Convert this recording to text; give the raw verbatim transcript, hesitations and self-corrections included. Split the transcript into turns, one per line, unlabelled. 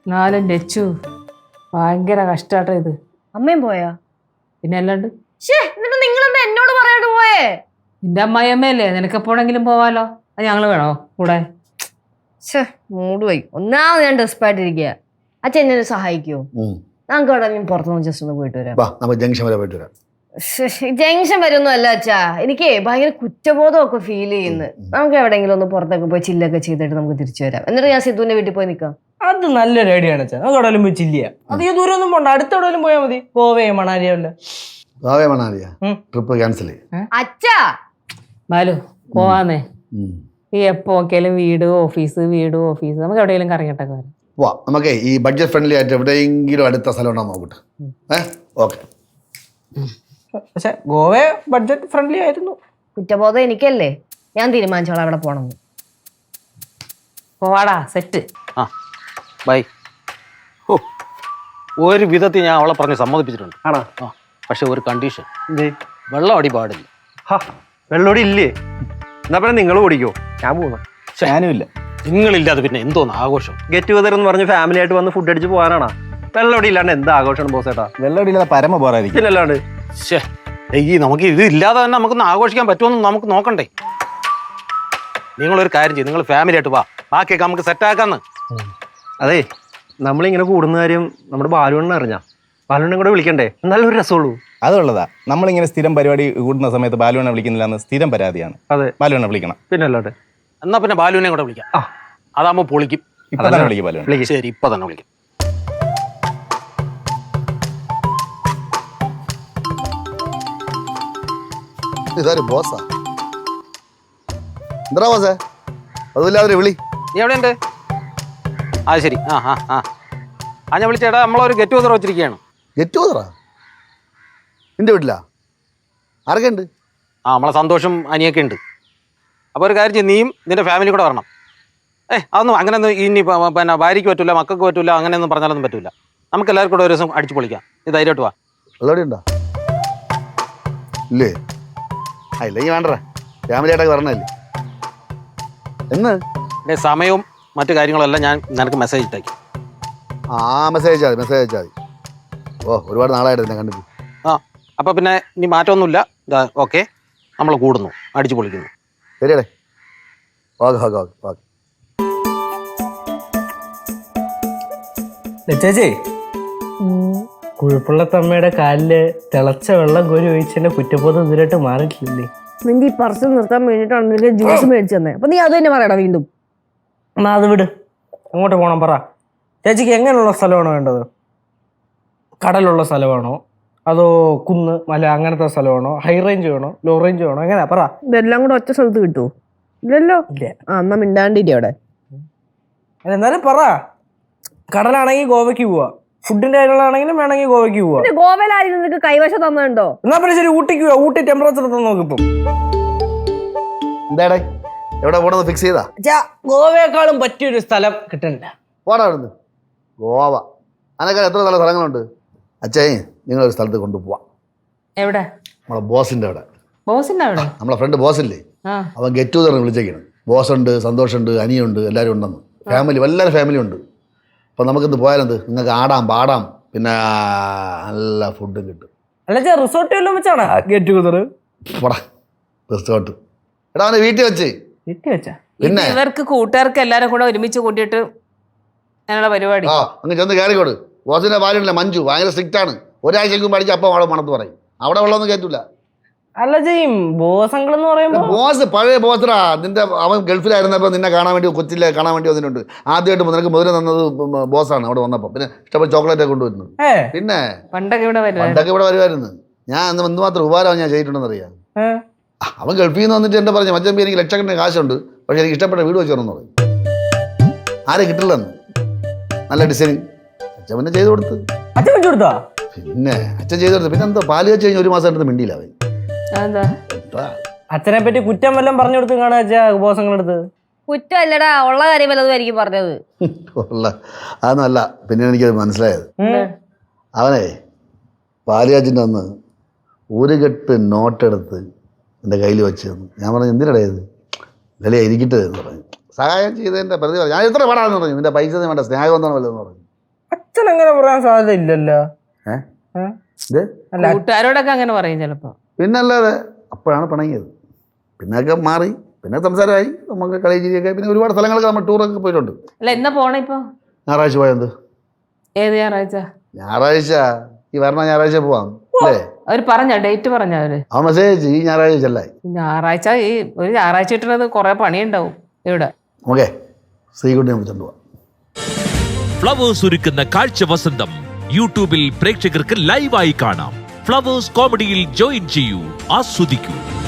നാലും ലച്ചു ഭയങ്കര കഷ്ടാട്ടോ ഇത്.
അമ്മയും പോയാ?
പിന്നെ അല്ലാണ്ട്
എന്നിട്ട് നിങ്ങളെന്താ എന്നോട് പറയാണ്ട് പോയേ?
നിന്റെ അമ്മായിയമ്മയല്ലേ, നിനക്കെപ്പോഴെങ്കിലും പോവാലോ. അത് ഞങ്ങള് വേണോ കൂടെ?
മൂട് പോയി. ഒന്നാമത് ഞാൻ ഡെസ്പായിട്ടിരിക്കുക. അച്ഛൻ എന്നെ സഹായിക്കുമോ? നമുക്ക് അവിടെ പുറത്തുനിന്ന് ജസ്റ്റ് ഒന്ന് പോയിട്ട് വരാം.
ജംഗ്ഷൻ വരെ പോയിട്ട് വരാം.
ജംഗ്ഷൻ വരുമൊന്നും അല്ല അച്ഛാ, എനിക്ക് ഭയങ്കര കുറ്റബോധമൊക്കെ ഫീൽ ചെയ്യുന്നു. നമുക്ക് എവിടെയെങ്കിലും ഒന്ന് പുറത്തൊക്കെ പോയി ചില്ലൊക്കെ ചെയ്തിട്ട് നമുക്ക് തിരിച്ചു വരാം. എന്നിട്ട് ഞാൻ സിദ്ധുവിന്റെ വീട്ടിൽ പോയി നിൽക്കാം.
അത് നല്ലൊരു ഐഡിയ ആണ് അച്ഛാ. നമുക്ക് എവിടെയും പോയി ചില്ലിയ. അധികം ദൂരം ഒന്നും പോണ്ട, അടുത്തെവിടെയും പോയാൽ മതി. ഗോവയോ മണാലിയോ അല്ല.
ഗോവയോ മണാലിയാ ട്രിപ്പ് ക്യാൻസൽ ചെയ്യും
അച്ഛാ.
ബാലു പോവാന്നേ. ഈ എപ്പോ നോക്കിയാലും വീട് ഓഫീസ് വീട് ഓഫീസ്. നമുക്ക് എവിടെയെങ്കിലും കറങ്ങിയിട്ടൊക്കെ വരാം.
വാ, നമുക്കേ ഈ ബഡ്ജറ്റ് ഫ്രണ്ട്ലി ആയിട്ട് എവിടെയെങ്കിലും അടുത്ത സ്ഥലം ഉണ്ടോ നോക്കട്ടെ. ഏഹ് ഓക്കെ.
പക്ഷെ ഗോവ ബഡ്ജറ്റ് ഫ്രണ്ട്ലി ആയിരുന്നു.
കുറ്റബോധം എനിക്കല്ലേ, ഞാൻ തീരുമാനിച്ചോളാം അവിടെ പോണം.
പോവാടാ സെറ്റ്.
ആ ബൈ. ഓ ഒരു വിധത്തിൽ ഞാൻ അവളെ പറഞ്ഞ് സമ്മതിപ്പിച്ചിട്ടുണ്ട്.
ആണോ?
ആ പക്ഷെ ഒരു കണ്ടീഷൻ, വെള്ളം അടി പാടില്ല.
വെള്ളോടി ഇല്ലേ? എന്നാ പിന്നെ നിങ്ങൾ ഓടിക്കോ, ഞാൻ പോകണം.
ഞാനും ഇല്ല. നിങ്ങളില്ലാതെ പിന്നെ എന്തോന്ന് ആഘോഷം?
ഗെറ്റ് ടുഗദർ എന്ന് പറഞ്ഞ് ഫാമിലി ആയിട്ട് വന്ന് ഫുഡ് അടിച്ച് പോകാനാണോ? വെള്ളോടി ഇല്ലാണ്ട് എന്താ ആഘോഷമാണ് ബോസ് ഏട്ടാ?
വെള്ളോടി ഇല്ലാതെ പരമ പോരായിരിക്കും.
പിന്നല്ലാണ്ട്
ഈ നമുക്ക് ഇത് ഇല്ലാതെ തന്നെ നമുക്കൊന്ന് ആഘോഷിക്കാൻ പറ്റുമെന്ന് നമുക്ക് നോക്കണ്ടേ? നിങ്ങളൊരു കാര്യം ചെയ്യും, നിങ്ങൾ ഫാമിലി ആയിട്ട് വാ, ബാക്കിയൊക്കെ നമുക്ക് സെറ്റാക്കാന്ന്.
അതെ, നമ്മളിങ്ങനെ കൂടുന്ന കാര്യം നമ്മുടെ ബാലുവണ്ണ അറിഞ്ഞാ? ബാലുവണ്ണെ കൂടെ വിളിക്കണ്ടേ? എന്നാലും ഒരു രസമുള്ളൂ.
അതുള്ളതാ, നമ്മളിങ്ങനെ സ്ഥിരം പരിപാടി കൂടുന്ന സമയത്ത് ബാലുവണ്ണ വിളിക്കുന്നില്ല എന്ന് സ്ഥിരം പരാതിയാണ്.
അതെ,
ബാലുവണ്ണ വിളിക്കണം.
പിന്നല്ലാണ്ട്.
എന്നാ പിന്നെ ബാലുവിനെ കൂടെ വിളിക്കാം. ആ അതാകുമ്പോ പൊളിക്കും.
ഇപ്പൊ തന്നെ വിളിക്കും ബാലുവണ്ണ.
ശരി, ഇപ്പൊ തന്നെ വിളിക്കും.
ഇതാര് ബോസാ? എന്താ ബോസേ അതുമില്ലാതെ വിളി.
നീ എവിടെ ഉണ്ട്? ആ ശരി. ആ ആ ആ ആ ഞാൻ വിളിച്ചേട്ടാ, നമ്മളൊരു ഗെറ്റ് ടുഗദർ വെച്ചിരിക്കുകയാണ്.
ഗെറ്റ് ടുഗദറാ? നിന്റെ വീട്ടിലാ? ആരൊക്കെ ഉണ്ട്?
ആ നമ്മളെ സന്തോഷം അനിയൊക്കെ ഉണ്ട്. അപ്പോൾ ഒരു കാര്യം ചെയ്യും, നീയും നിന്റെ ഫാമിലി കൂടെ വരണം. ഏ അതൊന്നും അങ്ങനെയൊന്നും ഇനി പിന്നെ ഭാര്യയ്ക്ക് പറ്റില്ല, മക്കൾക്ക് പറ്റില്ല, അങ്ങനെയൊന്നും പറഞ്ഞാലൊന്നും പറ്റില്ല. നമുക്ക് എല്ലാവർക്കും കൂടെ ഒരു ദിവസം അടിച്ചു പൊളിക്കാം. നീ ധൈര്യമായിട്ട് വാ.
വെള്ളോടി ഉണ്ടോ? ഇല്ലേ? ആ ഇല്ലെങ്കിൽ വേണ്ടേ, ഫാമിലി ആയിട്ടൊക്കെ വരണല്ലേ. എന്ന്
എൻ്റെ സമയവും മറ്റു കാര്യങ്ങളെല്ലാം ഞാൻ നിനക്ക് മെസ്സേജ് ഇട്ടേക്കും.
ആ മെസ്സേജ് അയച്ചാൽ മതി, മെസ്സേജ് അയച്ചാൽ മതി. ഓ ഒരുപാട് നാളായിട്ട് എന്നെ കണ്ടിട്ട്.
ആ അപ്പോൾ പിന്നെ ഇനി മാറ്റമൊന്നുമില്ല. ഇതാ ഓക്കെ, നമ്മൾ കൂടുന്നു, അടിച്ചു പൊളിക്കുന്നു.
ശരിയടേ. Okay okay okay okay.
ചേച്ചി, കുഴപ്പമുള്ളത്തമ്മയുടെ കാലില് തിളച്ച വെള്ളം കോരി ഒഴിച്ചതിന്റെ കുറ്റബോധം ഇതിലായിട്ട് മാറിയിട്ടില്ലേ?
നിന്റെ ഈ പർസ് നിർത്താൻ വേണ്ടിയിട്ടാണ് നിനക്ക് ജ്യൂസ് മേടിച്ചു തന്നെ. അപ്പൊ നീ അത് തന്നെ പറയടാ വീണ്ടും.
എന്നാ അത് വിട്, അങ്ങോട്ട് പോകണം. പറ ചേച്ചിക്ക് എങ്ങനെയുള്ള സ്ഥലമാണോ വേണ്ടത്? കടലുള്ള സ്ഥലമാണോ, അതോ കുന്ന് മല അങ്ങനത്തെ സ്ഥലമാണോ, ഹൈ റേഞ്ച് വേണോ, ലോ റേഞ്ച് വേണോ, എങ്ങനെയാ പറ.
ഇതെല്ലാം കൂടെ ഒറ്റ സ്ഥലത്ത് കിട്ടുമോ? ഇല്ലല്ലോ.
ഇല്ല.
ആ എന്നാ മിണ്ടാണ്ടിരി അവിടെ.
എന്നാലും പറ. കടലാണെങ്കിൽ ഗോവയ്ക്ക് പോവാ, ഫുഡിന്റെ കാര്യങ്ങളാണെങ്കിലും വേണമെങ്കിൽ ഗോവയ്ക്ക് പോവാ.
ഗോവയിലായിരിക്കും നിനക്ക് കൈവശം തന്നുണ്ടോ?
എന്നാ പിന്നെ ശരി, ഊട്ടിക്ക് പോവാ. ഊട്ടി ടെമ്പറേച്ചർ എത്താൻ നോക്കിപ്പം.
എന്താടേ എവിടെ പോണെന്ന് ഫിക്സ് ചെയ്താ?
ഗോവയെക്കാളും പറ്റിയൊരു സ്ഥലം കിട്ടണ്ട.
പോടാ അവിടുന്ന്. ഗോവ അതിനേക്കാൾ എത്ര നല്ല സ്ഥലങ്ങളുണ്ട്. അച്ഛേ നിങ്ങളൊരു സ്ഥലത്ത് കൊണ്ടുപോവാം.
എവിടെ?
നമ്മളെ ബോസിന്റെ അവിടെ.
ബോസിന്റെ അവിടെ?
നമ്മളെ ഫ്രണ്ട് ബോസില്ലേ, അവൻ ഗെറ്റ് ടുഗദർ വിളിച്ചേക്കണം. ബോസുണ്ട്, സന്തോഷമുണ്ട്, അനിയുണ്ട്, എല്ലാവരും ഉണ്ടെന്ന്. ഫാമിലി എല്ലാവരും ഫാമിലി ഉണ്ട്. അപ്പം നമുക്കിന്ന് പോയാലെന്ത്, നിങ്ങൾക്ക് ആടാം പാടാം, പിന്നെ നല്ല ഫുഡും കിട്ടും.
അല്ല റിസോർട്ട് വല്ലതും വെച്ചാണ് ഗെറ്റ് ടുഗദർ?
പോടാ റിസോർട്ട്. എടാ അവനെ വീട്ടിൽ വെച്ച്
വീട്ടിൽ വെച്ചാ
പിന്നെ
ഇവർക്ക് കൂട്ടുകാർക്ക് എല്ലാരും കൂടെ ഒരുമിച്ച് കൂട്ടിയിട്ട് ഞങ്ങളുടെ പരിപാടി.
ആ അങ്ങ് ചെന്ന് കയറിക്കോട്. ബോസിന്റെ ഭാര്യയില്ല മഞ്ജു, ഭയങ്കര സ്ട്രിക്റ്റ് ആണ്. ഒരാഴ്ചക്കും പഠിച്ച് അപ്പം അവിടെ മണത്ത് പറയും. അവിടെ വെള്ളമൊന്നും കയറ്റൂല.
അല്ല ചെയ്യും ബോസങ്ങൾ എന്ന് പറയുമ്പോ
ബോസ് പഴയ ബോസറാ. നിന്റെ അവൻ ഗൾഫിലായിരുന്നപ്പോൾ നിന്നെ കാണാൻ വേണ്ടി, കൊച്ചിയിലെ കാണാൻ വേണ്ടി വന്നിട്ടുണ്ട്. ആദ്യമായിട്ട് നിനക്ക് മുതൽ തന്നത് ബോസാണ് അവിടെ വന്നപ്പോൾ. പിന്നെ ഇഷ്ടപ്പെട്ട ചോക്ലേറ്റ് ഒക്കെ കൊണ്ടുവരുന്നത്. പിന്നെ
പണ്ടൊക്കെ ഇവിടെ
പണ്ടൊക്കെ ഇവിടെ വരുമായിരുന്നു. ഞാൻ അന്ന് എന്തുമാത്രം ഉപകാരം ഞാൻ ചെയ്തിട്ടുണ്ടെന്ന് അറിയാം. അവൻ ഗൾഫിൽ നിന്ന് വന്നിട്ട് എന്നെ പറഞ്ഞു, മച്ചമ്പി എനിക്ക് ലക്ഷക്കണക്കിന് കാശുണ്ട്, പക്ഷെ എനിക്ക് ഇഷ്ടപ്പെട്ട വീട് വെച്ച് തരണമെന്ന് പറയും. ആരെ കിട്ടില്ലെന്ന്. നല്ല ഡിസൈനിങ് അച്ഛൻ പിന്നെ ചെയ്ത് കൊടുത്ത്.
അച്ഛൻ വെച്ചു കൊടുത്താ?
പിന്നെ അച്ഛൻ ചെയ്ത് കൊടുത്ത്. പിന്നെ എന്താ പാല് വെച്ച് കഴിഞ്ഞ് ഒരു മാസം എടുത്ത് മിണ്ടിയില്ല അവൻ.
അച്ഛനെ പറ്റി കുറ്റം വല്ലതും പറഞ്ഞു കൊടുത്ത് കാണാ അച്ഛാ ബോസങ്ങളെടുത്ത്?
കുറ്റമല്ലടാ, ഉള്ള കാര്യം വല്ലതും ആയിരിക്കും പറഞ്ഞത്.
ഉള്ള അതൊന്നുമല്ല. പിന്നെ എനിക്കത് മനസ്സിലായത്, അവനെ പാലിയാച്ചിൻ്റെ അന്ന് ഒരു കെട്ട് നോട്ടെടുത്ത് എൻ്റെ കയ്യിൽ വെച്ച് തന്നു. ഞാൻ പറഞ്ഞു എന്തിനടേ ഇത്, വില ഇരിക്കട്ടെ എന്ന് പറഞ്ഞു. സഹായം ചെയ്തതിൻ്റെ പ്രതി പറഞ്ഞു. ഞാൻ എത്ര പാടാന്ന് പറഞ്ഞു. നിന്റെ പൈസ വേണ്ട, സ്നേഹം എന്താണ് വല്ലതെന്ന് പറഞ്ഞു.
അച്ഛൻ അങ്ങനെ പറയാൻ സാധ്യത ഇല്ലല്ലോ.
ഏഹ്
ഏ?
ഇത്
അല്ല
കൂട്ടുകാരോടൊക്കെ അങ്ങനെ പറയും ചിലപ്പോ.
പിന്നല്ലാതെ അപ്പോഴാണ് പിണങ്ങിയത്. പിന്നൊക്കെ മാറി, പിന്നെ സംസാരമായി, നമുക്ക് കളി ചിരിയൊക്കെ, പിന്നെ ഒരുപാട് സ്ഥലങ്ങളൊക്കെ നമ്മൾ ടൂറൊക്കെ പോയിട്ടുണ്ട്.
അല്ല എന്നാ പോണേ ഇപ്പൊ?
ഞായറാഴ്ച പോയത്.
ഏത് ഞായറാഴ്ച?
ഞായറാഴ്ച ഈ വരണ ഞായറാഴ്ച പോവാം അല്ലേ?
അവര് പറഞ്ഞ ഡേറ്റ് പറഞ്ഞ അവര്?
അവൻ മെസ്സേജ് ഈ ഞായറാഴ്ച ചെല്ലായി.
ഞായറാഴ്ച ഈ ഒരു ഞായറാഴ്ച കിട്ടുന്നത് കുറെ പണിയുണ്ടാവും ഇവിടെ.
ഓക്കെ, ശ്രീകുട്ടിനെ വിളിച്ചോണ്ട് പോവാം.
ഫ്ലവേഴ്സ് ഒരുക്കുന്ന കാഴ്ച വസന്തം യൂട്യൂബിൽ പ്രേക്ഷകർക്ക് ലൈവായി കാണാം. ഫ്ലവേഴ്സ് കോമഡിയിൽ ജോയിൻ ചെയ്യൂ, ആസ്വദിക്കൂ.